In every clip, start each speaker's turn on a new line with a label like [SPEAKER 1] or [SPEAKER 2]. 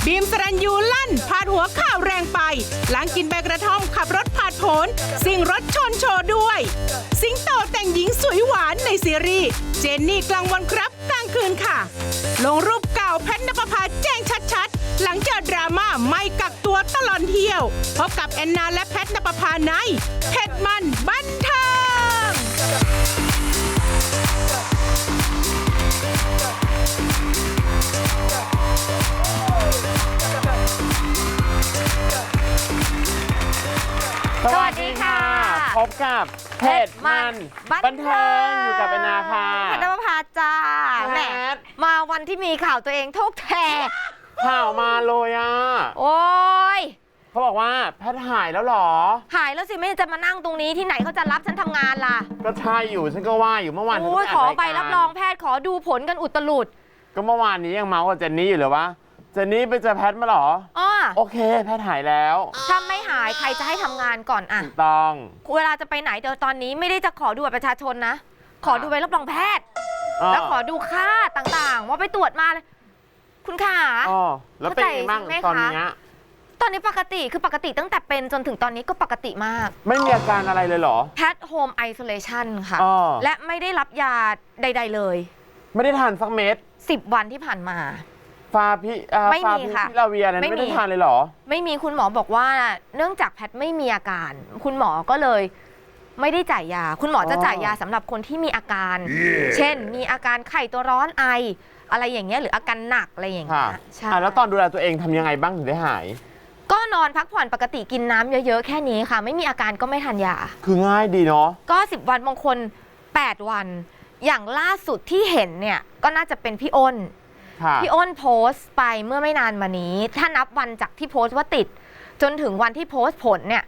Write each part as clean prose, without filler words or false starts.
[SPEAKER 1] บีมสรัญยูลั่นพาดหัวข่าวแรงไปหลังกินใบกระท่อมขับรถผ่านผลสิ่งรถชนโชว์ด้วยสิงโตแต่งหญิงสวยหวานในซีรีส์เจนนี่กลางวันครับกลางคืนค่ะลงรูปเก่าแพทณปภาแจ้งชัดๆหลังเจอดราม่าไม่กักตัวตลอดเที่ยวพบกับแอนนาและแพทณปภาในเผ็ดมันบันเทิง
[SPEAKER 2] สวัสดีค่ะพบกับเผ็ดมันบันเทิงอยู่กับแอนนาค่ะ
[SPEAKER 3] แพทณปภาจ้าแหมมาวันที่มีข่าวตัวเองทุกแท
[SPEAKER 2] ข่าวมาเลยอ่ะ
[SPEAKER 3] โอ้ย
[SPEAKER 2] เขาบอกว่าแพทหายแล้วหรอ
[SPEAKER 3] หายแล้วสิไม่จะมานั่งตรงนี้ที่ไหนเขาจะรับฉันทำงานล่ะ
[SPEAKER 2] ก็ใช่อยู่ฉันก็ว่าอยู่เมื่อวาน
[SPEAKER 3] โอ้ยขอใบรับรองแพทย์ขอดูผลกันอุตลุด
[SPEAKER 2] ก็เมื่อวานนี้ยังเมาส์กับเจนนี่อยู่เลยว่าเจนนี่ไปเจอแพทมาหรอโอเคแพทหายแล้ว
[SPEAKER 3] ถ้าไม่หายใครจะให้ทำงานก่อนอะ
[SPEAKER 2] ต้อง
[SPEAKER 3] เวลาจะไปไหนเดี๋ยวตอนนี้ไม่ได้จะขอดูบัตรประชาชนนะขอดูใบรับรองแพทย์แล้วขอดูค่าต่างๆว่าไปตรวจมาเลยคุณขา
[SPEAKER 2] แล้วเป็นยังไงบ้างตอน
[SPEAKER 3] นี้ปกติคือปกติตั้งแต่เป็นจนถึงตอนนี้ก็ปกติมาก
[SPEAKER 2] ไม่มีอาการอะไรเลยเหรอ
[SPEAKER 3] แพทโฮมไอโซเลชันค่ะและไม่ได้รับยาใดๆเลย
[SPEAKER 2] ไม่ได้ทานสักเม็ด
[SPEAKER 3] 10 วันที่ผ่านมา
[SPEAKER 2] ไม่มีค่ะลาเวียนั้นไม่ได้ทานเลยเหรอ
[SPEAKER 3] ไม่มีคุณหมอบอกว่าเนื่องจากแพทไม่มีอาการคุณหมอก็เลยไม่ได้จ่ายยาคุณหมอจะจ่ายยาสำหรับคนที่มีอาการเช่นมีอาการไข้ตัวร้อนไออะไรอย่างเงี้ยหรืออาการหนักอะไรอย่างเงี้ย
[SPEAKER 2] ใช่แล้วตอนดูแลตัวเองทำยังไงบ้างถึงได้หาย
[SPEAKER 3] ก็นอนพักผ่อนปกติกินน้ำเยอะๆแค่นี้ค่ะไม่มีอาการก็ไม่ทานยา
[SPEAKER 2] คือง่ายดีเนาะ
[SPEAKER 3] ก็10 วันบางคน8 วันอย่างล่าสุดที่เห็นเนี่ยก็น่าจะเป็นพี่อ้นโพสต์ไปเมื่อไม่นานมานี้ถ้านับวันจากที่โพสต์ว่าติดจนถึงวันที่โพสต์ผลเนี่ย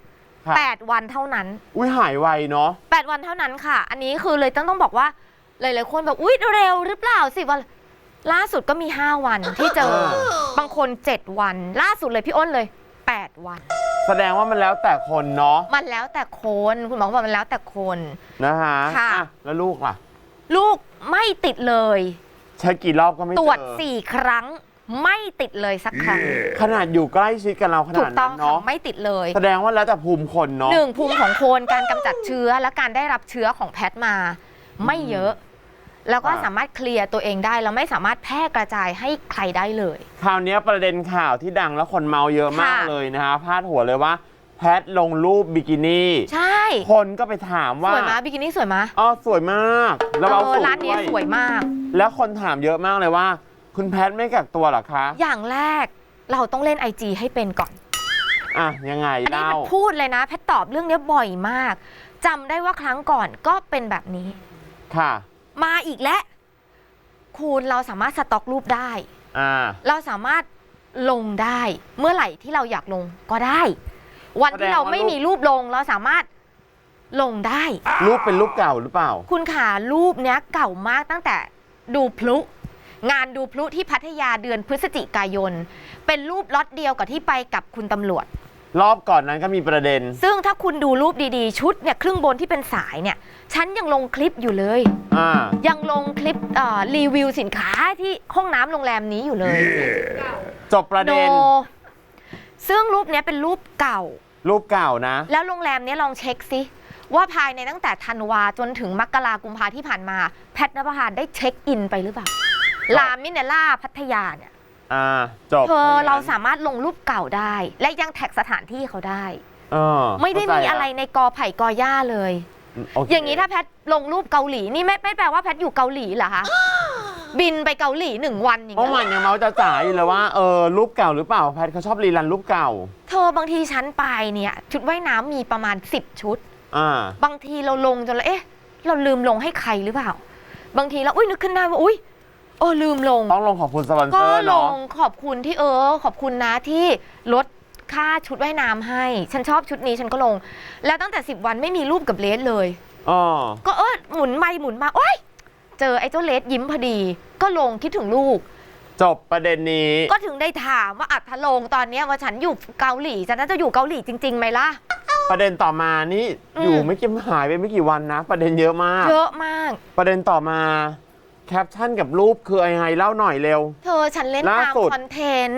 [SPEAKER 3] 8 วันเท่านั้น
[SPEAKER 2] อุ้ยหายไวเนาะ
[SPEAKER 3] 8 วันเท่านั้นค่ะอันนี้คือเลยต้องบอกว่าหลายๆคนแบบอุ๊ยเร็วหรือเปล่า10 วันล่าสุดก็มี5 วันที่เจอบางคน7 วันล่าสุดเลยพี่อ้นเลย8 วัน
[SPEAKER 2] แสดงว่ามันแล้วแต่คนเนาะ
[SPEAKER 3] มันแล้วแต่คนคุณหมอบอกมันแล้วแต่คน
[SPEAKER 2] นะฮะแล้วลูกล่ะ
[SPEAKER 3] ลูกไม่ติดเลย
[SPEAKER 2] ใช้กี่รอบก็ไม่เจอ
[SPEAKER 3] ตรวจ4 ครั้งไม่ติดเลยสักครั้ง
[SPEAKER 2] ขนาดอยู่ใกล้ชิดกันเราขนาดนั้นเนาะ
[SPEAKER 3] ไม่ติดเลย
[SPEAKER 2] แสดงว่าแล้วแต่ภูมิคนเนาะ
[SPEAKER 3] 1ภูมิของคนการกำจัดเชื้อและการได้รับเชื้อของแพทมาไม่เยอะแล้วก็สามารถเคลียร์ตัวเองได้แล้วไม่สามารถแพร่กระจายให้ใครได้เลย
[SPEAKER 2] คราวนี้ประเด็นข่าวที่ดังแล้วคนเมาเยอะมากเลยนะฮะพาดหัวเลยว่าแพทลงรูปบิกินี่
[SPEAKER 3] ใช่
[SPEAKER 2] คนก็ไปถามว่า
[SPEAKER 3] สวยมั้ยบิกินี่สวยมั้ย
[SPEAKER 2] สวยมากแล้วเอาสูตร
[SPEAKER 3] ร้านนี้สวยมาก
[SPEAKER 2] แล้วคนถามเยอะมากเลยว่าคุณแพทไม่กักตัวหรอคะ
[SPEAKER 3] อย่างแรกเราต้องเล่น IG ให้เป็นก่อน
[SPEAKER 2] ยังไงเล่า
[SPEAKER 3] พูดเลยนะแพทตอบเรื่องนี้บ่อยมากจำได้ว่าครั้งก่อนก็เป็นแบบนี้
[SPEAKER 2] ค่ะ
[SPEAKER 3] มาอีกแล้วคุณเราสามารถสต็อกรูปได้เราสามารถลงได้เมื่อไหร่ที่เราอยากลงก็ได้วันที่เราไม่มีรูปลงเราสามารถลงได้
[SPEAKER 2] รูปเป็นรูปเก่าหรือเปล่า
[SPEAKER 3] คุณขารูปเนี้ยเก่ามากตั้งแต่ดูพลุงานดูพลุที่พัทยาเดือนพฤศจิกายนเป็นรูปล็อตเดียวกับที่ไปกับคุณตำรวจ
[SPEAKER 2] รอบก่อนนั้นก็มีประเด็น
[SPEAKER 3] ซึ่งถ้าคุณดูรูปดีๆชุดเนี่ยครึ่งบนที่เป็นสายเนี่ยฉันยังลงคลิปอยู่เลยยังลงคลิปรีวิวสินค้าที่ห้องน้ำโรงแรมนี้อยู่เลย
[SPEAKER 2] จบประเด็น
[SPEAKER 3] ซึ่งรูปนี้เป็นรูปเก่า
[SPEAKER 2] นะ
[SPEAKER 3] แล้วโรงแรมนี้ลองเช็คซิว่าภายในตั้งแต่ธันวาจนถึงมกรากุมภาที่ผ่านมาแพทณปภาได้เช็คอินไปหรือเปล่าลามิเนล่าพัทยาเนี่ย
[SPEAKER 2] จบ
[SPEAKER 3] เราสามารถลงรูปเก่าได้และยังแท็กสถานที่เขาได้ไม่ได้มีอะไรในกอไผ่กอหญ้าเลยอย่างนี้ถ้าแพทลงรูปเกาหลีนี่ไม่แปลว่าแพทอยู่เกาหลีเหรอคะบินไปเกาหลี1 วันอย่าง
[SPEAKER 2] เงี้ยเมื่อวานยังเมาจ๋าอยู่เลยว่ารูปเก่าหรือเปล่าแพทเขาชอบรีรันรูปเก่า
[SPEAKER 3] บางทีฉันไปเนี่ยชุดว่ายน้ำมีประมาณ10 ชุดบางทีเราลงจนแล้วเราลืมลงให้ใครหรือเปล่าบางทีเรานึกขึ้นได้ว่าลืมลง
[SPEAKER 2] ต้องลงขอบคุณสปอนเซอร์
[SPEAKER 3] เนาะก็ลงขอบคุณที่ขอบคุณนะที่ลดค่าชุดว่ายน้ำให้ฉันชอบชุดนี้ฉันก็ลงแล้วตั้งแต่10 วันไม่มีรูปกับเลสเลยก็หมุนไปหมุนมาเจอไอ้เจ้าเลสยิ้มพอดีก็ลงคิดถึงลูก
[SPEAKER 2] จบประเด็นนี้
[SPEAKER 3] ก็ถึงได้ถามว่าถ้าลงตอนนี้ว่าฉันอยู่เกาหลีฉันน่าจะอยู่เกาหลีจริงๆไหมล่ะ
[SPEAKER 2] ประเด็นต่อมานี่อยู่ไม่กี่หายไปไม่กี่วันนะประเด็นเยอะมากประเด็นต่อมาแคปชั่นกับรูปคือยังไงเล่าหน่อยเร็ว
[SPEAKER 3] ฉันเล่นตามคอนเทนต์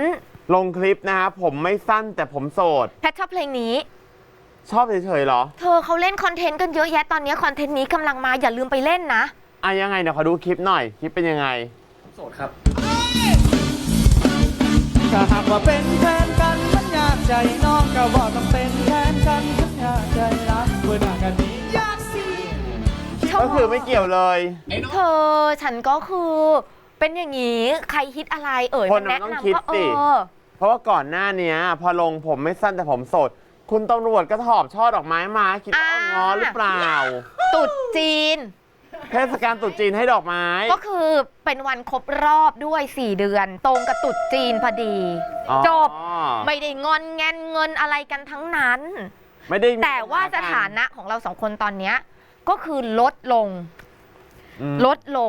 [SPEAKER 2] ลงคลิปนะฮะผมไม่สั้นแต่ผมโสด
[SPEAKER 3] แพทชอบเพลงนี้
[SPEAKER 2] ชอบเฉยๆเหรอ
[SPEAKER 3] เธอเขาเล่นคอนเทนต์กันเยอะแยะตอนนี้คอนเทนต์นี้กำลังมาอย่าลืมไปเล่นนะ
[SPEAKER 2] อ่ะยังไงเดี๋ยวขอดูคลิปหน่อย คลิปเป็นยังไง
[SPEAKER 4] โสดครับถ้าหากว่าเป็นแฟนกันมันยากใจน้องก็บอกต้องเป็นแฟนกันมันยากใจรักเมื่อหน้ากันนี้ยากสิ
[SPEAKER 2] ก็คือไม่เกี่ยวเลย
[SPEAKER 3] เธอฉันก็คือเป็นอย่างนี้ใครฮิตอะไร
[SPEAKER 2] คน
[SPEAKER 3] แนะ
[SPEAKER 2] ต้อง
[SPEAKER 3] นำ
[SPEAKER 2] คิด
[SPEAKER 3] ก็
[SPEAKER 2] สิเพราะว่าก่อนหน้านี้พอลงผมไม่สั้นแต่ผมโสด คุณตำรวจก็ถอบช่อดอกไม้มาคิดว่าเอาง้อหรือเปล่า
[SPEAKER 3] ตรุษจีน
[SPEAKER 2] เทศกาลตรุษจีนให้ดอกไม้
[SPEAKER 3] ก็คือเป็นวันครบรอบด้วย4 เดือน ตรงกับตรุษจีนพอดี
[SPEAKER 2] อ๋อ
[SPEAKER 3] จบไม่ได้งอนแงนเงินอะไรกันทั้งนั้น
[SPEAKER 2] ไม่ได้มี
[SPEAKER 3] แต่ว่าสถานะของเรา2 คนตอนเนี้ยก็คือลดลง
[SPEAKER 2] อืม
[SPEAKER 3] ลดลง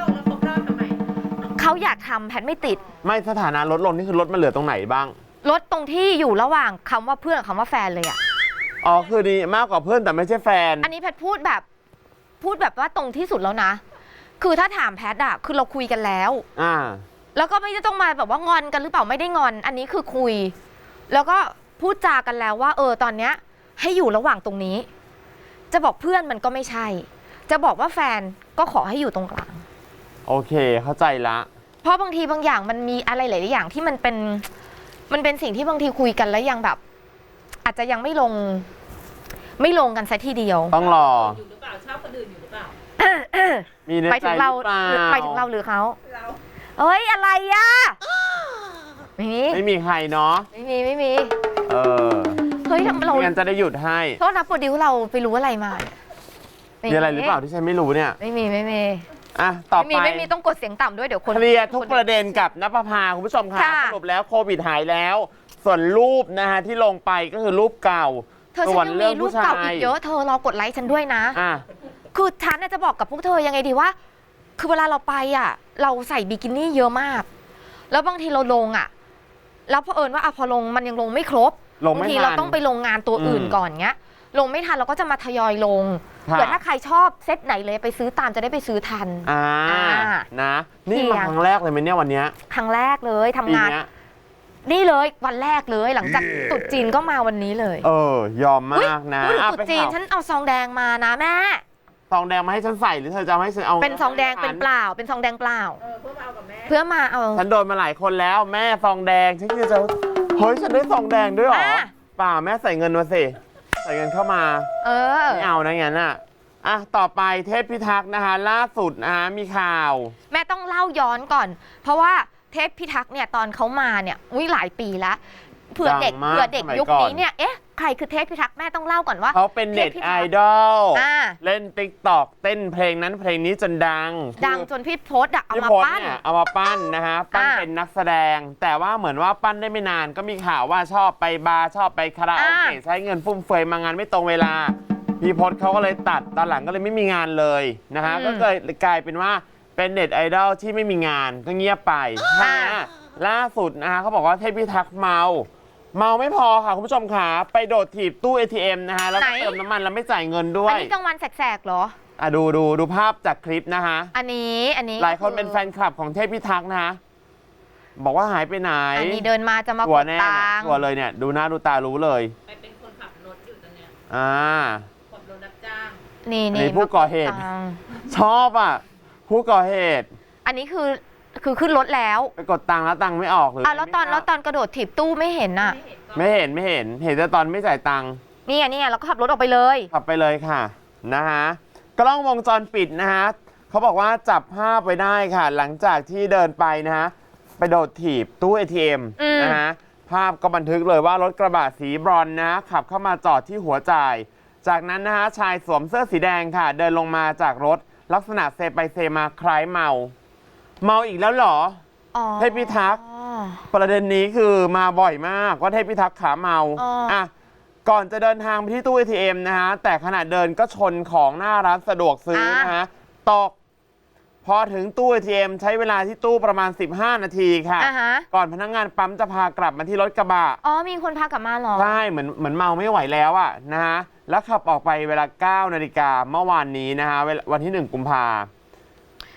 [SPEAKER 3] เขาอยากทำแพทไม่ติด
[SPEAKER 2] ไม่สถานะลดลงนี่คือลดมาเหลือตรงไหนบ้าง
[SPEAKER 3] ลดตรงที่อยู่ระหว่างคำว่าเพื่อนกับคำว่าแฟนเลยอะ
[SPEAKER 2] อ๋อคือดีมากกว่าเพื่อนแต่ไม่ใช่แฟน
[SPEAKER 3] อันนี้แพทพูดแบบว่าตรงที่สุดแล้วนะ คือถ้าถามแพทอะคือเราคุยกันแล้ว แล้วก็ไม่ได้ต้องมาแบบว่างอนกันหรือเปล่าไม่ได้งอน อันนี้คือคุย แล้วก็พูดจากันแล้วว่าตอนเนี้ยให้อยู่ระหว่างตรงนี้ จะบอกเพื่อนมันก็ไม่ใช่ จะบอกว่าแฟนก็ขอให้อยู่ตรงกลาง
[SPEAKER 2] โอเคเข้าใจละ
[SPEAKER 3] เพราะบางทีบางอย่างมันมีอะไรหลายๆอย่างที่มันเป็นสิ่งที่บางทีคุยกันแล้วยังแบบ อาจจะยังไม่ลงกันซะทีเดียว
[SPEAKER 2] ต้องรอ
[SPEAKER 5] อยู่หรือเปล่าชอบคนอื่นอยู่หรือเปล่า
[SPEAKER 2] มีใน
[SPEAKER 3] ไป
[SPEAKER 2] ใจ
[SPEAKER 3] ถึง
[SPEAKER 2] ห
[SPEAKER 3] เรา
[SPEAKER 2] รือเปล่า
[SPEAKER 3] ไปถึงเราหรือเขา
[SPEAKER 5] เรา
[SPEAKER 3] เอ้ยอะไรอะไม่มี
[SPEAKER 2] ไม่มีใครเนาะ
[SPEAKER 3] ไม่มี
[SPEAKER 2] เออ
[SPEAKER 3] เฮ้ยทำไมเรา
[SPEAKER 2] ไม่งั้นจะได้หยุดให้
[SPEAKER 3] โทษนะโปรดิวเราไปรู้อะไรมาเนี่ย
[SPEAKER 2] มีอะไรหรือเปล่าที่ฉันไม่รู้เนี่ย
[SPEAKER 3] ไม่มี
[SPEAKER 2] อ่ะต่อไป
[SPEAKER 3] ไม่มีต้องกดเสียงต่ำด้วยเดี๋ยวคน
[SPEAKER 2] เคลียร์ทุกประเด็นกับณภาคุณผู้ชมค่ะ
[SPEAKER 3] ค่ะ
[SPEAKER 2] สรุปแล้วโควิดหายแล้ว ส่วนรูปนะฮะที่ลงไปก็คือรูปเก่า
[SPEAKER 3] เธอฉั
[SPEAKER 2] ส่วน
[SPEAKER 3] นยัง
[SPEAKER 2] เรื่
[SPEAKER 3] มี
[SPEAKER 2] อง
[SPEAKER 3] รูป
[SPEAKER 2] ผู้ชา
[SPEAKER 3] เก่าย อีกเยอะเธอรอกดไลค์ฉันด้วยนะ
[SPEAKER 2] อ่ะ
[SPEAKER 3] คือฉันน่ะจะบอกกับพวกเธอยังไงดีว่า คือเวลาเราไปอ่ะ เราใส่บิกินี่เยอะมาก แล้วบางทีเราลงอ่ะ แล้วพอว่าพอลงมันยังลงไม่ครบ
[SPEAKER 2] ลง
[SPEAKER 3] บาง
[SPEAKER 2] ไม่
[SPEAKER 3] ที
[SPEAKER 2] ทั
[SPEAKER 3] เรา
[SPEAKER 2] น
[SPEAKER 3] ต้องไปลงงานตัวอื่นก่อนเงี้ย ลงไม่ทันเราก็จะมาทยอยลง
[SPEAKER 2] ค่ะ
[SPEAKER 3] เผื่อถ้าใครชอบเซตไหนเลยไปซื้อตามจะได้ไปซื้อทัน
[SPEAKER 2] อ่า
[SPEAKER 3] อ่า
[SPEAKER 2] นะ นี่
[SPEAKER 3] เคลียร์
[SPEAKER 2] มาครั้งแรกเลยไหมเนี่ยวันเนี้ย
[SPEAKER 3] ครั้งแรกเลยทำ
[SPEAKER 2] ปี
[SPEAKER 3] งาน
[SPEAKER 2] เนี้ย
[SPEAKER 3] นี่เลยวันแรกเลยหลังจากตรุษจีนก็มาวันนี้เลย
[SPEAKER 2] ยอมมากนะ
[SPEAKER 3] พูดถึง
[SPEAKER 2] อ่ะ
[SPEAKER 3] ตรุษ
[SPEAKER 2] ไป
[SPEAKER 3] จีน
[SPEAKER 2] ข่าว
[SPEAKER 3] ฉันเอาซองแดงมานะแม่
[SPEAKER 2] ซองแดงมาให้ฉันใส่หรือเธอจะเอาให้ฉันเอา
[SPEAKER 3] เป็นซองแดงเป็นเปล่า เป็นซองแดงเปล่า
[SPEAKER 5] เพื่อมาเอากับแม่
[SPEAKER 3] เพื่อมาเอา
[SPEAKER 2] ฉันโดนมาหลายคนแล้วแม่ซองแดงฉันคือจะเฮ้ยฉันได้ซองแดงด้วยเหรอ
[SPEAKER 3] อ่ะ
[SPEAKER 2] เปล่าแม่ใส่เงินมาสิใส่เงินเข้ามา ไม่เอานะงั้นอ่ะต่อไปเทพพิทักษ์นะคะล่าสุดนะคะมีข่าว
[SPEAKER 3] แม่ต้องเล่าย้อนก่อน เพราะว่าเทพพิทักษ์เนี่ยตอนเขามาเนี่ยหลายปีแล้วเผื่อเด็ก
[SPEAKER 2] ดังมาก
[SPEAKER 3] เผื่อเด็ก
[SPEAKER 2] สมัย
[SPEAKER 3] ยุค
[SPEAKER 2] ก่อน
[SPEAKER 3] นี้เนี่ยใครคือเทพพิทักษ์แม่ต้องเล่าก่อนว่า
[SPEAKER 2] เขาเป็นเน็ต
[SPEAKER 3] ทพพิ
[SPEAKER 2] ไอ
[SPEAKER 3] ทักษ์
[SPEAKER 2] ดอล
[SPEAKER 3] อ่า
[SPEAKER 2] เล่นติ๊กตอกเต้นเพลงนั้นเพลงนี้จนดัง
[SPEAKER 3] ดัง
[SPEAKER 2] คือ
[SPEAKER 3] จนพี่โพสต์เอา
[SPEAKER 2] พี่
[SPEAKER 3] มา
[SPEAKER 2] พศ
[SPEAKER 3] ปั้น
[SPEAKER 2] เนี่ยเอามาปั้นนะฮะปั้น
[SPEAKER 3] อ่า
[SPEAKER 2] เป็นนักแสดง แต่ว่าเหมือนว่าปั้นได้ไม่นานก็มีข่าวว่าชอบไปบาร์ชอบไปคาราโอเกะ
[SPEAKER 3] อ่า
[SPEAKER 2] ใช้เงินฟุ่มเฟือยมางานไม่ตรงเวลาพี่พศเขาก็เลยตัดตอนหลังก็เลยไม่มีงานเลยนะฮะก็เลยกลายเป็นว่าเป็นเน็ตไอดอลที่ไม่มีงานก็เงียบไปทีเนี้ยล่าสุดนะฮะเขาบอกว่าเทพพิทักษ์เมาไม่พอค่ะคุณผู้ชมค่ะไปโดดถีบตู้ ATM นะฮะแล้วก็เติมน้ำมันแล้วไม่จ่ายเงินด้ว
[SPEAKER 3] อัน
[SPEAKER 2] ย
[SPEAKER 3] นี้กลางวันแสกๆเหรอ
[SPEAKER 2] ดูภาพจากคลิปนะฮะ
[SPEAKER 3] อันนี้
[SPEAKER 2] หลายคนเป็นแฟนคลับของเทพพิทักษ์นะฮะบอกว่าหายไปไหน
[SPEAKER 3] อันนี้เดินมาจะมา
[SPEAKER 2] ชั
[SPEAKER 3] ก
[SPEAKER 2] ว
[SPEAKER 3] ด
[SPEAKER 2] ร์แน่
[SPEAKER 3] ตั
[SPEAKER 2] เนี่ย
[SPEAKER 3] งค์
[SPEAKER 2] ชัวร์เลยเนี่ยดูหน้าดูตารู้เลย
[SPEAKER 5] ไปเป็นคนขับรถอยู่ตอนเนี้ย ขับรถรับจ้าง
[SPEAKER 3] นี่
[SPEAKER 2] อันนี้ผู้ก่อเหตุ
[SPEAKER 3] มากดตังค์
[SPEAKER 2] ชอบอ่ะผู้ก่อเหตุ
[SPEAKER 3] อันนี้คือขึ้นรถแล้ว
[SPEAKER 2] ไปกดตังค์แล้วตังค์ไม่ออกหรือ
[SPEAKER 3] แล้วตอนกระโดดถีบตู้ไม่เห็นน่ะ
[SPEAKER 5] ไม่เห็นก็
[SPEAKER 2] ไม่เห็นเห็นแต่ตอนไม่จ่ายตังค์
[SPEAKER 3] นี่เราก็ขับรถออกไปเลย
[SPEAKER 2] ขับไปเลยค่ะนะฮะกล้องวงจรปิดนะฮะเขาบอกว่าจับภาพไว้ได้ค่ะ หลังจากที่เดินไปนะฮะไปโดดถีบตู้ ATM นะฮะภาพก็บันทึกเลยว่ารถกระบะสีบรอนซ์นะฮะขับเข้ามาจอดที่หัวจ่าย จากนั้นนะฮะชายสวมเสื้อสีแดงค่ะ เดินลงมาจากรถลักษณะเซไปเซมาคล้ายเมาอีกแล้วเหรอ
[SPEAKER 3] อ๋อ
[SPEAKER 2] เทพพิทักษ์ ประเด็นนี้คือมาบ่อยมากว่าเทพพิทักษ์ขาเมา
[SPEAKER 3] อ๋ออ่
[SPEAKER 2] ก่อนจะเดินทางไปที่ตู้ ATM นะฮะแต่ขณะเดินก็ชนของหน้าร้านสะดวกซื้อนะฮะตกพอถึงตู้ ATM ใช้เวลาที่ตู้ประมาณ15 นาทีค่ะ
[SPEAKER 3] อ่าฮะ
[SPEAKER 2] ก่อนพนักงานปั๊มจะพากลับมาที่รถกระบะ
[SPEAKER 3] มีคนพากลับมาเหรอ
[SPEAKER 2] ใช่เหมือนเมาไม่ไหวแล้วอะนะฮะแล้วขับออกไปเวลา 9 นาฬิกาเมื่อวานนี้นะฮะวันที่ 1 กุมภา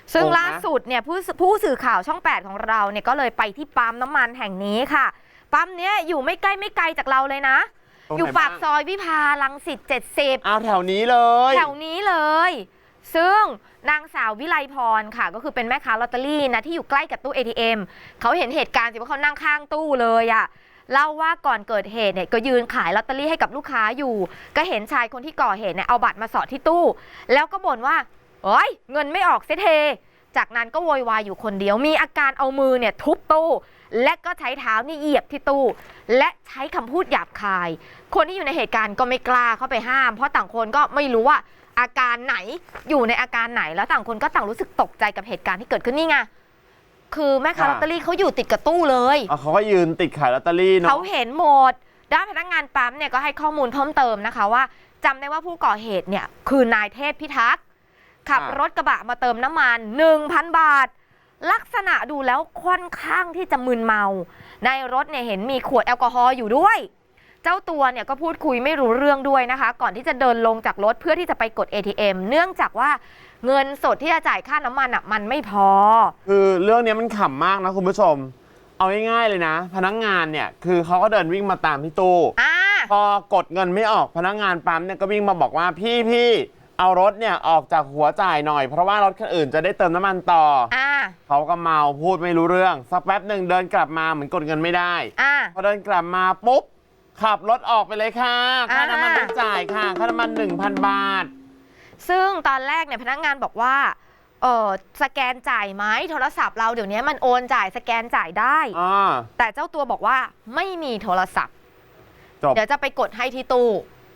[SPEAKER 3] ซึ่ง
[SPEAKER 2] งงนะ
[SPEAKER 3] ล่าสุดเนี่ยผู้สื่อข่าวช่อง 8 ของเราเนี่ยก็เลยไปที่ปั๊มน้ำมันแห่งนี้ค่ะ ปั๊มเนี้ยอยู่ไม่ไกลจากเราเลยนะ
[SPEAKER 2] ตรงไหน
[SPEAKER 3] อยู่ปาก
[SPEAKER 2] บ้าง
[SPEAKER 3] ซอยวิภารังสิต70
[SPEAKER 2] เอาแถวนี้เลย
[SPEAKER 3] แถวนี้เลย ซึ่งนางสาววิไลพรค่ะ ก็คือเป็นแม่ค้าลอตเตอรี่นะที่อยู่ใกล้กับตู้ ATM เขาเห็นเหตุการณ์สิว่าเขานั่งข้างตู้เลยอะเล่าว่าก่อนเกิดเหตุเนี่ยก็ยืนขายลอตเตอรี่ให้กับลูกค้าอยู่ ก็เห็นชายคนที่ก่อเหตุเนี่ยเอาบัตรมาสอดที่ตู้ แล้วก็บ่นว่าเอ้ยเงินไม่ออกเสียเท จากนั้นก็โวยวายอยู่คนเดียว มีอาการเอามือเนี่ยทุบตู้ และก็ใช้เท้านี่เหยียบที่ตู้ และใช้คำพูดหยาบคาย คนที่อยู่ในเหตุการณ์ก็ไม่กล้าเข้าไปห้าม เพราะต่างคนก็ไม่รู้ว่าอาการไหนอยู่ในอาการไหน แล้วต่างคนก็ต่างรู้สึกตกใจกับเหตุการณ์ที่เกิดขึ้นนี่ไง คือแม่ค้าลอตเตอรี่เขาอยู่ติดกับตู้เลย
[SPEAKER 2] เขาก็ยืนติดขายลอตเตอรี่เนาะ
[SPEAKER 3] เขาเห็นหมด ด้านพนักงานปั๊มเนี่ยก็ให้ข้อมูลเพิ่มเติมนะคะว่าจำได้ว่าผู้ก่อเหตุเนี่ยคือนายเทพพิทักษ์ขับรถกระบะมาเติมน้ำมัน 1,000 บาท ลักษณะดูแล้วค่อนข้างที่จะมึนเมา ในรถเนี่ยเห็นมีขวดแอลกอฮอล์อยู่ด้วย เจ้าตัวเนี่ยก็พูดคุยไม่รู้เรื่องด้วยนะคะ ก่อนที่จะเดินลงจากรถเพื่อที่จะไปกด ATM เนื่องจากว่าเงินสดที่จะจ่ายค่าน้ำมันมันไม่พอ
[SPEAKER 2] คือเรื่องนี้มันขำมากนะคุณผู้ชม เอาง่ายๆเลยนะ พนักงานเนี่ยคือเขาก็เดินวิ่งมาตามที่ตู้ พอกดเงินไม่ออกพนักงานปั๊มเนี่ยก็วิ่งมาบอกว่าพี่เอารถเนี่ยออกจากหัวจ่ายหน่อยเพราะว่ารถคันอื่นจะได้เติมน้ำมันต่อเขาก็เมาพูดไม่รู้เรื่องสักแป๊บหนึ่งเดินกลับมาเหมือนกดเงินไม่ได้พอเดินกลับมาปุ๊บขับรถออกไปเลยค่ะค่าน้ำมันไม่จ่ายค่ะค่าน้ำมัน 1,000 บาท
[SPEAKER 3] ซึ่งตอนแรกเนี่ยพนักงานบอกว่าสแกนจ่ายไหมโทรศัพท์เราเดี๋ยวนี้มันโอนจ่ายสแกนจ่ายได้แต่เจ้าตัวบอกว่าไม่มีโทรศัพท์เดี๋ยวจะไปกดให้ที่ตู้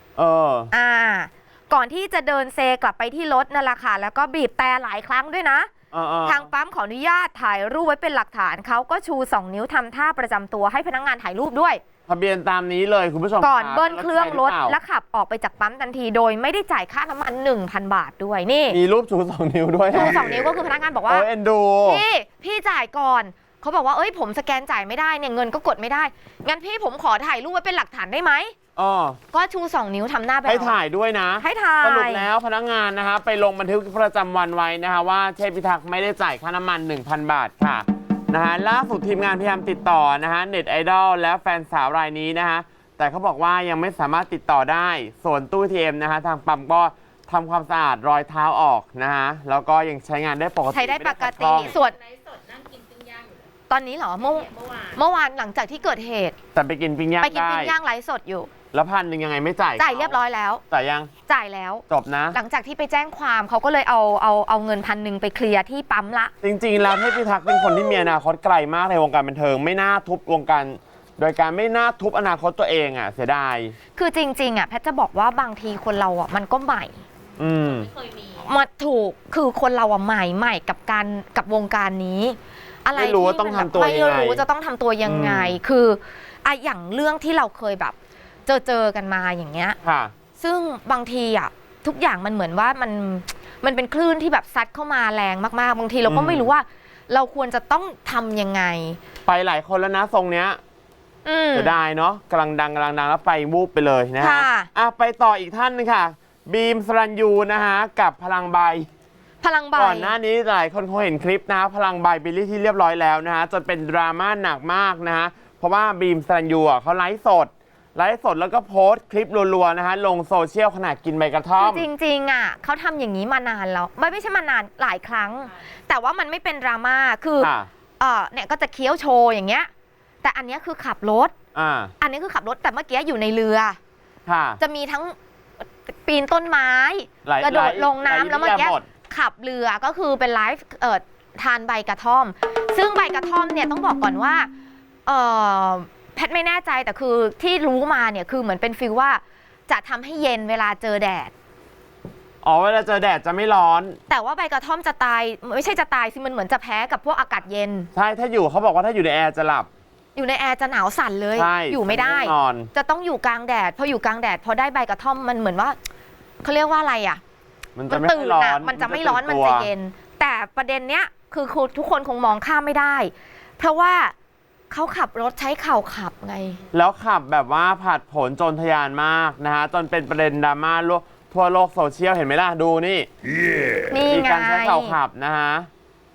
[SPEAKER 3] ก่อนที่จะเดินเซกลับไปที่รถนั่นแหละค่ะแล้วก็บีบแต่หลายครั้งด้วยนะทางปั๊มขออนุญาตถ่ายรูปไว้เป็นหลักฐานเขาก็ชู 2 นิ้วทำท่าประจำตัวให้พนักงานถ่ายรูปด้วย
[SPEAKER 2] ทะเบียนตามนี้เลยคุณผู้ชม
[SPEAKER 3] ก่อนเบิ้ลเครื่องรถและขับออกไปจากปั๊มทันทีโดยไม่ได้จ่ายค่าน้ำมัน 1,000 บาทด้วยนี่
[SPEAKER 2] มีรูปชู 2 นิ้วด้วย
[SPEAKER 3] ชู 2 นิ้วก็คือพนักงานบอกว่า
[SPEAKER 2] เอ็นดู
[SPEAKER 3] พี่จ่ายก่อนเขาบอกว่าผมสแกนจ่ายไม่ได้เนี่ยเงินก็กดไม่ได้งั้นพี่ผมขอถ่ายรูปไว้เป็นหลักฐานได้ไหมก็ชู 2 นิ้วทำหน้าไป
[SPEAKER 2] ให้ถ่ายด้วยนะ
[SPEAKER 3] ให้ถ่าย
[SPEAKER 2] สรุปแล้วพนักงานนะคะไปลงบันทึกประจำวันไว้นะคะว่าเทพพิทักษ์ไม่ได้จ่ายค่าน้ำมัน 1,000 บาทค่ะนะฮะล่าสุดทีมงานพยายามติดต่อนะฮะเน็ตไอดอลและแฟนสาวรายนี้นะคะแต่เขาบอกว่ายังไม่สามารถติดต่อได้ส่วนตู้ ATM นะคะทางปั๊มก็ทำความสะอาดรอยเท้าออกนะฮะแล้วก็ยังใช้งานได้ปกติ
[SPEAKER 3] ใช้ได้ปกติส่วน
[SPEAKER 5] ไลฟ์สดนั่งกินปิ้งย่างอยู่เลย
[SPEAKER 3] ตอนนี้เหรอเมื่อวานหลังจากที่เกิดเหตุ
[SPEAKER 2] แต่ไปกินปิ้งย่าง
[SPEAKER 3] ไปกินปิ้งย่างไลฟ์สดอยู่
[SPEAKER 2] แล้ว1,000ยังไงไม่จ่าย
[SPEAKER 3] เรียบร้อยแล้ว
[SPEAKER 2] จ่ายยัง
[SPEAKER 3] จ่ายแล้ว
[SPEAKER 2] จบนะ
[SPEAKER 3] หลังจากที่ไปแจ้งความเขาก็เลยเอาเงิน1,000ไปเคลียร์ที่ปั๊มละ
[SPEAKER 2] จริงๆแล้วเทพพิทักษ์เป็นคนที่มีอนาคตไกลมากในวงการบันเทิงไม่น่าทุบวงการโดยการไม่น่าทุบอนาคตตัวเองเสียดาย
[SPEAKER 3] คือจริงๆแพทย์จะบอกว่าบางทีคนเรามันก็ใหม่
[SPEAKER 5] ไม่เคยมี
[SPEAKER 3] มาถูกคือคนเราใหม่กับวงการนี้อะไร
[SPEAKER 2] ไม่รู้ว่าต้องทำตัวยังไง
[SPEAKER 3] ไม่รู้จะต้องทำตัวยังไงคืออย่างเรื่องที่เราเคยแบบเจอกันมาอย่างเงี้ยซึ่งบางทีทุกอย่างมันเหมือนว่ามันเป็นคลื่นที่แบบซัดเข้ามาแรงมากๆบางทีเราก็ไม่รู้ว่าเราควรจะต้องทำยังไง
[SPEAKER 2] ไปหลายคนแล้วนะทรงเนี้ยจะได้เนาะกำลังดังแล้วไปวูบไปเลยนะฮะไปต่ออีกท่านนึงค่ะบีมสรัญยูนะฮะกับพลังใบก่อนหน้านี้หลายคนคงเห็นคลิปนะพลังใบบิลลี่ที่เรียบร้อยแล้วนะฮะจนเป็นดราม่าหนักมากนะฮะเพราะว่าบีมสรัญยูเขาไลฟ์สดแล้วก็โพสต์คลิปรัวๆนะฮะลงโซเชียลขณะกินใบกระท่อม
[SPEAKER 3] จริงๆเขาทำอย่างนี้มานานแล้วไม่ใช่มานานหลายครั้งแต่ว่ามันไม่เป็นดราม่าคือเนี่ยก็จะเคี้ยวโชว์อย่างเงี้ยแต่อันนี้คือขับรถอันนี้คือขับรถแต่เมื่อกี้อยู่ในเรือจะมีทั้งปีนต้นไม้กระโดดลงน้ำแล้วเมื่อกี้ขับเรือก็คือเป็นไลฟ์ทานใบกระท่อมซึ่งใบกระท่อมเนี่ยต้องบอกก่อนว่าแพทย์ไม่แน่ใจแต่คือที่รู้มาเนี่ยคือเหมือนเป็นฟีลว่าจะทำให้เย็นเวลาเจอแดด
[SPEAKER 2] เวลาเจอแดดจะไม่ร้อน
[SPEAKER 3] แต่ว่าใบกระท่อมจะตายไม่ใช่จะตายสิมันเหมือนจะแพ้กับพวกอากาศเย็น
[SPEAKER 2] ใช่ถ้าอยู่เขาบอกว่าถ้าอยู่ในแอร์จะหลับ
[SPEAKER 3] อยู่ในแอร์จะหนาวสั่นเลยอยู่ไม่ได้จะต้องอยู่กลางแดดพออยู่กลางแดดพอได้ใบกระท่อมมันเหมือนว่าเขาเรียกว่าอะไร
[SPEAKER 2] มันจะไม่ร้อน
[SPEAKER 3] มันจะไม่ร้อนมันจะเย็นแต่ประเด็นเนี้ยคือทุกคนคงมองข้ามไม่ได้เพราะว่าเขาขับรถใช้เข่าขับไง
[SPEAKER 2] แล้วขับแบบว่าผัดผลจนทะยานมากนะฮะจนเป็นประเด็นดราม่าทั่วโลกโซเชียลเห็นไหมล่ะดูนี่มี
[SPEAKER 3] ไง
[SPEAKER 2] การใช้เข่าขับนะฮะ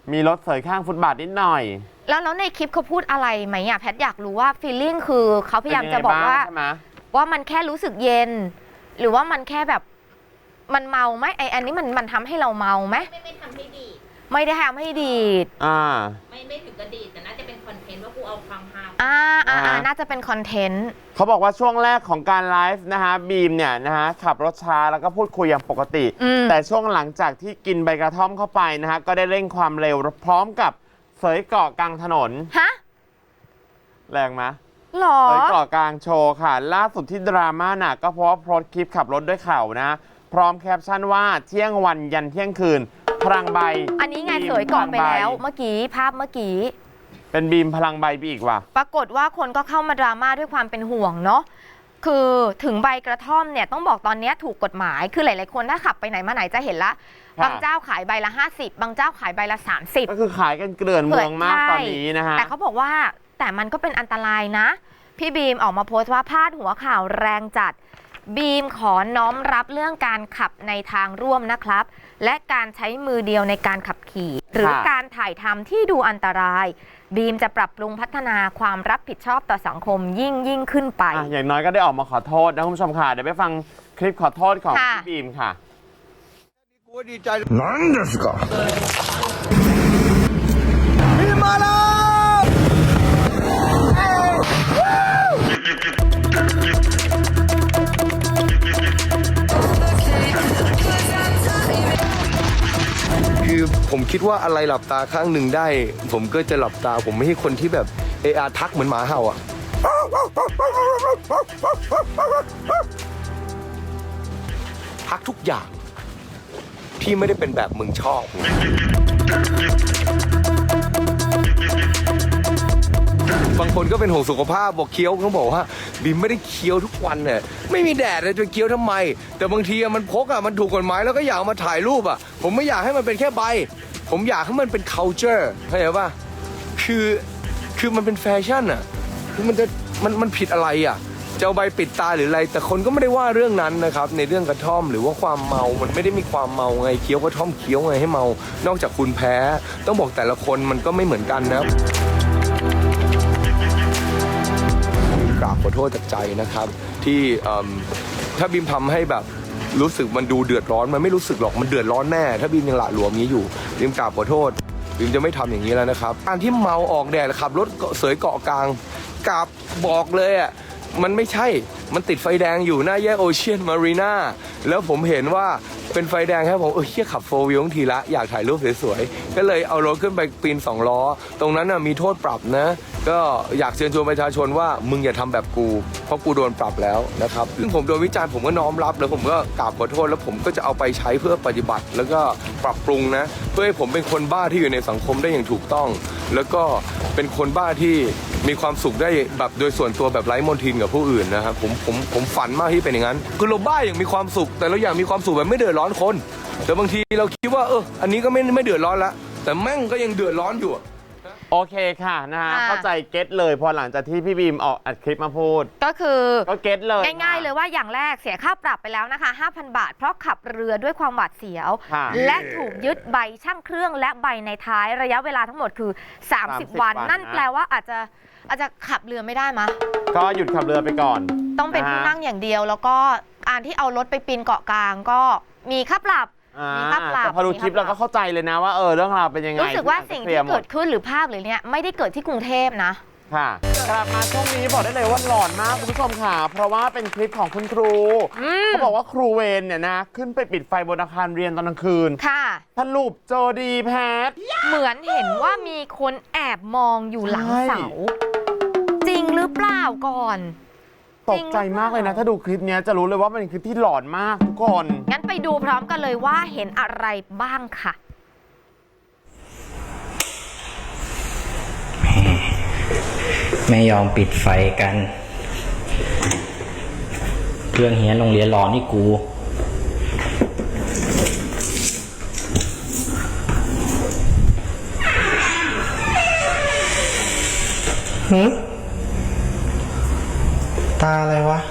[SPEAKER 2] มีรถเสยข้างฟุตบาทนิดหน่อย
[SPEAKER 3] แล้วในคลิปเขาพูดอะไรไหมอ่ะแพทอยากรู้ว่าฟีลลิ่งคือเขาพยายามจะบอกว่า
[SPEAKER 2] เป็นยังไงบ้างใช่ไหม
[SPEAKER 3] ว่ามันแค่รู้สึกเย็น หรือว่ามันแค่แบบมันเมาไหมอันนี้มันทำให้เราเมาไหม
[SPEAKER 5] ไม่ทำให้ดีด
[SPEAKER 3] ไม่ได้ทำให้ดีด
[SPEAKER 5] ไม่ถึงกระดีดแต่น่าจะเป็นคอนเทนต์ว่ากูเอาความฮา
[SPEAKER 3] น่าจะเป็นคอนเทนต์
[SPEAKER 2] เขาบอกว่าช่วงแรกของการไลฟ์นะฮะบีมเนี่ยนะฮะขับรถช้าแล้วก็พูดคุยอย่างปกติ แต่ช่วงหลังจากที่กินใบกระท่อมเข้าไปนะฮะก็ได้เร่งความเร็วพร้อมกับเสยเกาะกลางถนน
[SPEAKER 3] ฮะ
[SPEAKER 2] แรงไหม
[SPEAKER 3] หรอ
[SPEAKER 2] เสยเกาะกลางโชว์ค่ะ ล่าสุดที่ดราม่าหนักก็เพราะว่าโพสต์คลิปขับรถด้วยเข่านะ พร้อมแคปชั่นว่าเที่ยงวันยันเที่ยงคืนพลังใบ
[SPEAKER 3] อันนี้ไงเสยเกาะไปแล้วเมื่อกี้ภาพเมื่อกี้
[SPEAKER 2] เป็นบีมพลังใบไปอีกว่ะ
[SPEAKER 3] ปรากฏว่าคนก็เข้ามาดราม่าด้วยความเป็นห่วงเนาะคือถึงใบกระท่อมเนี่ยต้องบอกตอนนี้ถูกกฎหมายคือหลายๆคนถ้าขับไปไหนมาไหนจะเห็นละ
[SPEAKER 2] ค่ะ
[SPEAKER 3] บางเจ้าขายใบละ50บางเจ้าขายใบละ30
[SPEAKER 2] ก็คือขายกันเกลื่อนเมืองมากตอนนี้นะฮะ
[SPEAKER 3] แต่เขาบอกว่าแต่มันก็เป็นอันตรายนะ พี่บีมออกมาโพสต์ว่าพาดหัวข่าวแรงจัดบีมขอน้อมรับเรื่องการขับในทางร่วมนะครับ และการใช้มือเดียวในการขับขี่หรือการถ่ายทำที่ดูอันตรายบีมจะปรับปรุงพัฒนาความรับผิดชอบต่อสังคมยิ่งขึ้นไป
[SPEAKER 2] อย่างน้อยก็ได้ออกมาขอโทษนะคุณผู้ชมค่ะเดี๋ยวไปฟังคลิปขอโทษของ
[SPEAKER 3] ค่ะ
[SPEAKER 2] พี่บีมค่ะ
[SPEAKER 6] 何ですか今だคือผมคิดว่าอะไรหลับตาข้างหนึ่งได้ ผมก็จะหลับตาผมไม่ใช่คนที่แบบทักเหมือนหมาเห่าอ่ะทักทุกอย่างพี่ไม่ได้เป็นแบบมึงชอบ บางคนก็เป็นห่วงสุขภาพบอกเคี้ยวเขาบอกว่าบีมไม่ได้เคี้ยวทุกวันเนี่ยไม่มีแดดเลยจะเคี้ยวทำไม แต่บางทีมันพกมันถูกกฎหมายแล้วก็อยากเอามาถ่ายรูปผมไม่อยากให้มันเป็นแค่ใบผมอยากให้มันเป็น culture เข้าใจป่ะคือมันเป็นแฟชั่นคือมันผิดอะไรจะเอาใบปิดตาหรืออะไรแต่คนก็ไม่ได้ว่าเรื่องนั้นนะครับในเรื่องกระท่อมหรือว่าความเมามันไม่ได้มีความเมาไงเคี้ยวกระท่อมเคี้ยวไงให้เมานอกจากคุณแพ้ต้องบอกแต่ละคนมันก็ไม่เหมือนกันนะกราบขอโทษจากใจนะครับที่ถ้าบีมทำให้แบบรู้สึกมันดูเดือดร้อนมันไม่รู้สึกหรอกมันเดือดร้อนแน่ถ้าบีมยังหละหลวมนี้อยู่บีมกราบขอโทษบีมจะไม่ทำอย่างนี้แล้วนะครับการที่เมาออกแดดขับรถเสยเกาะกลางกราบบอกเลยมันไม่ใช่มันติดไฟแดงอยู่หน้าแยกโอเชียนมารีนาแล้วผมเห็นว่าเป็นไฟแดงครับผมเชี่ยขับโฟร์วิวทีละอยากถ่ายรูปสวยๆก็เลยเอารถขึ้นไปปีน2 ล้อตรงนั้นมีโทษปรับนะก็อยากเชิญชวนประชาชนว่ามึงอย่าทำแบบกูเพราะกูโดนปรับแล้วนะครับซึ่งผมโดนวิจารณ์ผมก็น้อมรับแล้วผมก็กราบขอโทษแล้วผมก็จะเอาไปใช้เพื่อปฏิบัติแล้วก็ปรับปรุงนะเพื่อให้ผมเป็นคนบ้าที่อยู่ในสังคมได้อย่างถูกต้องแล้วก็เป็นคนบ้าที่มีความสุขได้แบบโดยส่วนตัวแบบไร้มนทินกับผู้อื่นนะครับผมฝันมากที่เป็นอย่างนั้นคือเราบ้าอย่างมีความสุขแต่เราอยากมีความสุขแบบไม่เดือดร้อนคนแต่บางทีเราคิดว่าอันนี้ก็ไม่เดือดร้อนละแต่แม่งก็ยังเดือดร้อนอยู่
[SPEAKER 2] โอเคค่ะนะฮะเข้าใจเก็ตเลยพอหลังจากที่พี่บีมออกอัดคลิปมาพูด
[SPEAKER 3] ก็
[SPEAKER 2] เก็ตเลย
[SPEAKER 3] ง่ายๆเลยว่าอย่างแรกเสียค่าปรับไปแล้วนะคะ 5,000 บาทเพราะขับเรือด้วยความหวาดเสียวและถูกยึดใบช่างเครื่องและใบในท้ายระยะเวลาทั้งหมดคือ30 วันนั่นแปลว่าอาจจะขับเรือไม่ได้มะ
[SPEAKER 2] ก็หยุดขับเรือไปก่อน
[SPEAKER 3] ต้องเป็นผู้นั่งอย่างเดียวแล้วก็การที่เอารถไปปีนเกาะกลางก็มีค่าปรับ
[SPEAKER 2] แต่พอดูคลิปเราก็เข้าใจเลยนะว่าเรื่องราวเป็นยังไง
[SPEAKER 3] รู้สึกว่าสิ่งที่เกิดขึ้นหรือภาพหรือเนี่ยไม่ได้เกิดที่กรุงเทพนะ
[SPEAKER 2] ค่ะกลับมาช่วงนี้บอกได้เลยว่าหลอนมากคุณผู้ชมค่ะเพราะว่าเป็นคลิปของคุณครูเขาบอกว่าครูเวรเนี่ยนะขึ้นไปปิดไฟบนอาคารเรียนตอนกลางคืน
[SPEAKER 3] ค่ะ
[SPEAKER 2] สรุปเจอดีแพท
[SPEAKER 3] เหมือนเห็นว่ามีคนแอบมองอยู่หลังเสาจริงหรือเปล่าก่อน
[SPEAKER 2] ตกใจมากเลยนะถ้าดูคลิปนี้จะรู้เลยว่าเป็นคลิปที่หลอนมากทุกคน
[SPEAKER 3] งั้นไปดูพร้อมกันเลยว่าเห็นอะไรบ้างค่ะ
[SPEAKER 7] ไม่ยอมปิดไฟกันเรื่องเฮียนโรงเรียนรอนี่กูตาอะไรวะ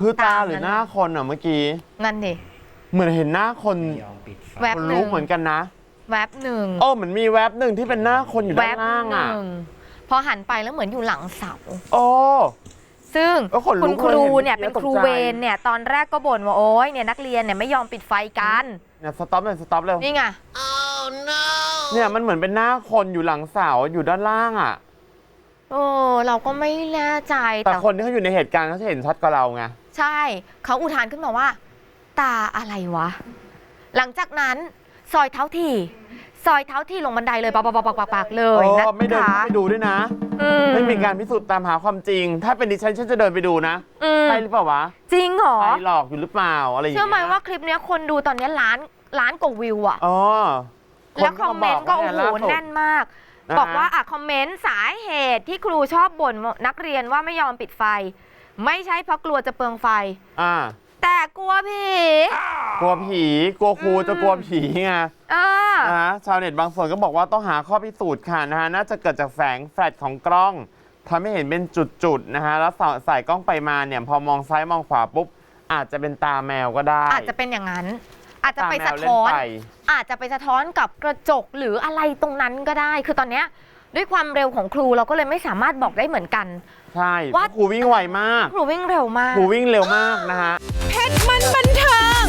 [SPEAKER 2] คือตา
[SPEAKER 3] ตาม
[SPEAKER 2] หรือ
[SPEAKER 3] นั้น
[SPEAKER 2] หน้าคนอ่ะเมื่อกี้
[SPEAKER 3] นั่นดิ
[SPEAKER 2] เหมือนเห็นหน้าคน
[SPEAKER 7] ไม่ยอมปิดไฟ
[SPEAKER 3] แวบ
[SPEAKER 2] คน
[SPEAKER 3] หนึ่
[SPEAKER 2] ลุ
[SPEAKER 3] ง
[SPEAKER 2] กเหมือนกันนะ
[SPEAKER 3] แวบหนึ่ง
[SPEAKER 2] โอ้เหมือนมีแวบหนึ่งที่เป็นหน้าคนอยู่
[SPEAKER 3] แว
[SPEAKER 2] ด้าน
[SPEAKER 3] บ
[SPEAKER 2] ล่าง
[SPEAKER 3] ห
[SPEAKER 2] อ่ะ
[SPEAKER 3] นึ่งพอหันไปแล้วเหมือนอยู่หลังเสา
[SPEAKER 2] โอ้
[SPEAKER 3] ซึ่ง
[SPEAKER 2] ก็ขนลุก
[SPEAKER 3] คุณครูเนี่ย
[SPEAKER 2] เลย
[SPEAKER 3] เป็น
[SPEAKER 2] เห็น
[SPEAKER 3] ครู
[SPEAKER 2] ตกใจ
[SPEAKER 3] เวรเนี่ยตอนแรกก็บ่นว่าโอ๊ยเนี่ยนักเรียนเนี่ยไม่ยอมปิดไฟกัน
[SPEAKER 2] เนี่ยสต็อปเลยสต็อปเลย
[SPEAKER 3] นี่ไง
[SPEAKER 2] เนี่ยมันเหมือนเป็นหน้าคนอยู่หลังเสาอยู่ด้านล่างอ่ะ
[SPEAKER 3] โอ้เราก็ไม่แน่ใจ
[SPEAKER 2] แต่คนที่เขาอยู่ในเหตุการณ์เขาจะเห็นชัดกว่าเราไง
[SPEAKER 3] ใช่เขาอุทานขึ้นมาว่า ตาอะไรวะ หลังจากนั้นซอยเท้าที่ลงบันไดเลยปักๆๆๆเลยนะ
[SPEAKER 2] ไม่เดิน
[SPEAKER 3] คะ
[SPEAKER 2] เข้าไปดูด้วยนะ
[SPEAKER 3] อื
[SPEAKER 2] ไม่มีการพิสูจน์ตามหาความจริง ถ้าเป็นดิฉันจะเดินไปดูนะ
[SPEAKER 3] อืม
[SPEAKER 2] ใช่หรือเปล่าวะ
[SPEAKER 3] จริงเหรอ
[SPEAKER 2] ใครหลอกอยู่หรือเปล่าอะไรอย่าง
[SPEAKER 3] เชื่
[SPEAKER 2] เงี้
[SPEAKER 3] อย ไหมว่าคลิปเนี้ยคนดูตอนเนี้ยล้านกว่าวิวอะ
[SPEAKER 2] อ๋อ
[SPEAKER 3] แล้วคอมเมนต์ก็โอ้โหแน่นมาก
[SPEAKER 2] นะฮะ
[SPEAKER 3] บอกว่าคอมเมนต์สาเหตุที่ครูชอบบ่นนักเรียนว่าไม่ยอมปิดไฟ ไม่ใช่เพราะกลัวจะเปลืองไฟ
[SPEAKER 2] อ่า
[SPEAKER 3] แต่กลัวผี
[SPEAKER 2] กลัวผีกลัวครูจะกลัวผีไง
[SPEAKER 3] อ่า
[SPEAKER 2] ชาวเน็ตบางส่วนก็บอกว่าต้องหาข้อพิสูจน์ค่ะนะฮะน่าจะเกิดจากแสงแฟลชของกล้องทำให้เห็นเป็นจุดๆนะฮะแล้วใส่กล้องไปมาเนี่ยพอมองซ้ายมองขวาปุ๊บอาจจะเป็นตาแมวก็ได้
[SPEAKER 3] อาจจะเป็นอย่างนั้น อาจจะไป
[SPEAKER 2] ตา
[SPEAKER 3] สะ
[SPEAKER 2] แมวเล่
[SPEAKER 3] ท้อน
[SPEAKER 2] ไฟ
[SPEAKER 3] อาจจะไปสะท้อนกับกระจกหรืออะไรตรงนั้นก็ได้ คือตอนเนี้ยด้วยความเร็วของครูเราก็เลยไม่สามารถบอกได้เหมือนกัน
[SPEAKER 2] ใช่
[SPEAKER 3] ว่า
[SPEAKER 2] ครูวิ่งไวมาก
[SPEAKER 3] ครูวิ่งเร็วมาก
[SPEAKER 2] ครูวิ่งเร็วมากนะฮะ
[SPEAKER 1] เพชรมันบันเทิง